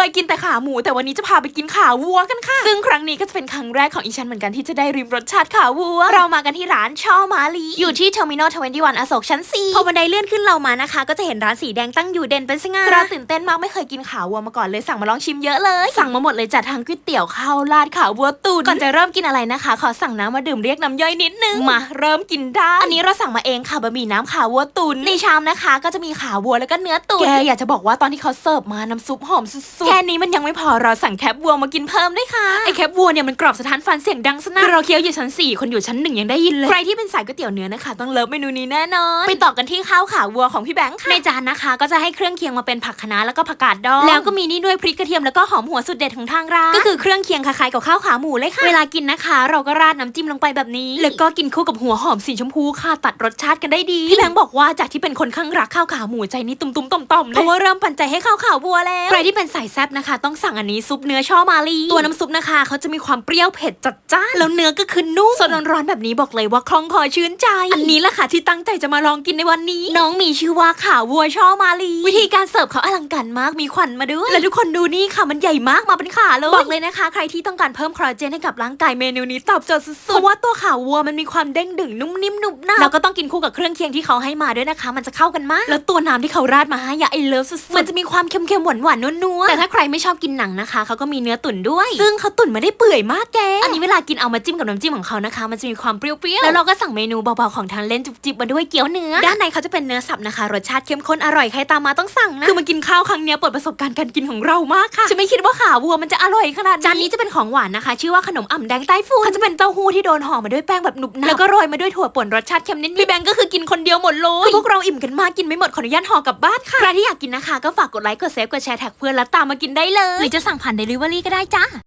ยกินแต่ขาหมูแต่วันนี้จะพาไปกินขาวัวกันค่ะซึ่งครั้งนี้ก็จะเป็นครั้งแรกของอีฉันเหมือนกันที่จะได้ริมรสชาติขาวัวเรามากันที่ร้านช่อมาลีอยู่ที่ Terminal 21 อโศกชั้น 4พอบันไดเลื่อนขึ้นเรามานะคะก็จะเห็นร้านสีแดงตั้งอยู่เด่นเป็นสง่าเราตื่นเต้นมากไม่เคยกินขาวัวมาก่อนเลยสั่งมาลองชิมเยอะเลยสั่งมาหมดเลยจัดทั้งก๋วยเตี๋ยวข้าวราดขาวัวตุ๋นก่อนจะเริ่มกินอะไรนะคะขอสั่งน้ำมาดื่มเรียกน้ำย่อยนิดนึงมาเริ่มกินได้อันนี้เราสั่งมาเองค่ะบะหมี่น้ำขาวัวตุ๋นในชามนะคะก็จะมีขาวัวแล้วก็เนื้อตุ๋นแกอยากจะบอกว่าตอนที่เขาเสิร์ฟมาน้ำซุปหอมสุดๆแค่นี้มันยังไม่พอเราสั่งแคบวัวมากินเพิ่มด้วยค่ะไอแคบวัวเนี่ยมันกรอบสะท้านฟันเสียงดังสนั่นเราเคี้ยวอยู่ชั้น 4คนอยู่ชั้น 1ยังได้ยินเลยใครที่เป็นสายก๋วยเตี๋ยวเนื้อนะคะต้องเลิฟเมนูนี้แน่นอนไปต่อกันที่ข้าวขาวัวของพี่แบงค์ค่ะในจานนะคะก็จะให้เครื่องเคียงมาเป็นผักคะน้าแล้วก็ผักกาดดองแล้วก็มีนี่ด้วยพริกกระเทียมแล้วก็หอมหัวสุดเด็ดของทางร้านก็คือเครื่องเคียงคล้ายๆกับข้าวขาหมูเลยค่ะเวลากินนะคะเราก็ราดน้ำจิ้มลงไปแบบนี้แล้วก็กินคู่กับหัวหอมสีชมพูค่ะตัดรสชาติกันได้ดีพี่แบงค์บอกว่าจากที่เป็นคนข้างรักข้าวขาหมูใจนี้ตุ้มๆต่อมๆเลยเพราะว่าเริ่มปั่นใจให้ข้าวขาวัวแล้วใครที่เป็นสายแซ่บนะคะต้องสั่งอันนี้ซุปเนื้อช่อมาลีตัวน้ำซุปนะคะเขาจะมีความเปรี้ยวเผ็ดจัดจ้านแล้วเนื้อก็คือนุ่มสดร้อนๆแบบนี้บอกเลยว่าคล่องคอชื่นใจอันนี้แหละค่ะที่ตั้งใจจะมาลองกินในวันนี้น้องมีชื่อว่าขาวัวช่อมาลีวิธีการเสิร์ฟเขาอลังการมากมีควันมาด้วยและทุกคนดูนี่ค่ะมันใหญ่มากมาเป็นขาเลยบอกเลยนะคะใครที่ต้องการเพิ่มคอลลาเจนให้กับร่างกายเมนูนี้ตอบโจทย์สุดๆเพราะว่าตัวขาวัวมันมีความเด้งดึงนุ่มนิ่มหนุบหนับแล้วก็ต้องกินคู่กับเครื่องเคียงที่เขาให้มาด้วยนะคะมันจะเข้ากันมากแล้วตัวน้ำที่เขาราดมาให้ไอเลิฟสุดๆมันจะมีความเค็มๆหวานๆนัวๆแต่ถ้าใครไม่ชอบกินหนังนะคะเขาก็มีเนื้อตุ๋นด้วยซึ่งเขาตุ๋นมาได้เปื่อยมากแกอันนี้เวลากินเอามาจิ้มกับน้ำจิ้มของเขานะคะมันจะมีความเปรี้ยวๆแล้วเราก็สั่งเมนูเบาๆของทางเล่นจุบๆมาด้วยเกี๊ยวเนื้อด้านในเขาจะเป็นเนื้อสับนะคะรสชาติเข้มข้นอร่อยใครตามมาต้องสั่งนะคือมากินข้าวครั้งนี้เปิดประสบการณ์การกินของเรามากค่ะจะไม่คิดว่าขาวัวมันจะอร่อยขนาดนี้จานนี้จะเป็นของหวานนะคะชื่อว่าขนมอ่ำแดงใต้ฝุ่นเขาจะเป็นเต้าหู้ที่โดนห่อมาด้วยแป้งแบบหนุบหนับแล้วก็โรยมาด้วยถั่วป่นรสชาติเค็มนิดๆพี่แบงก์ก็คือกินคนเดียวหมดเลยคือพวกเราอิ่มกันมากกินไม่หมดขออนุญาตห่อกลับบ้านค่ะใครที่อยากกินนะคะก็ฝากกดไลค์กดแชร์แท็กเพื่อนแล้วตามมากินได้เลยหรือจะสั่งผ่าน Delivery ก็ได้จ้า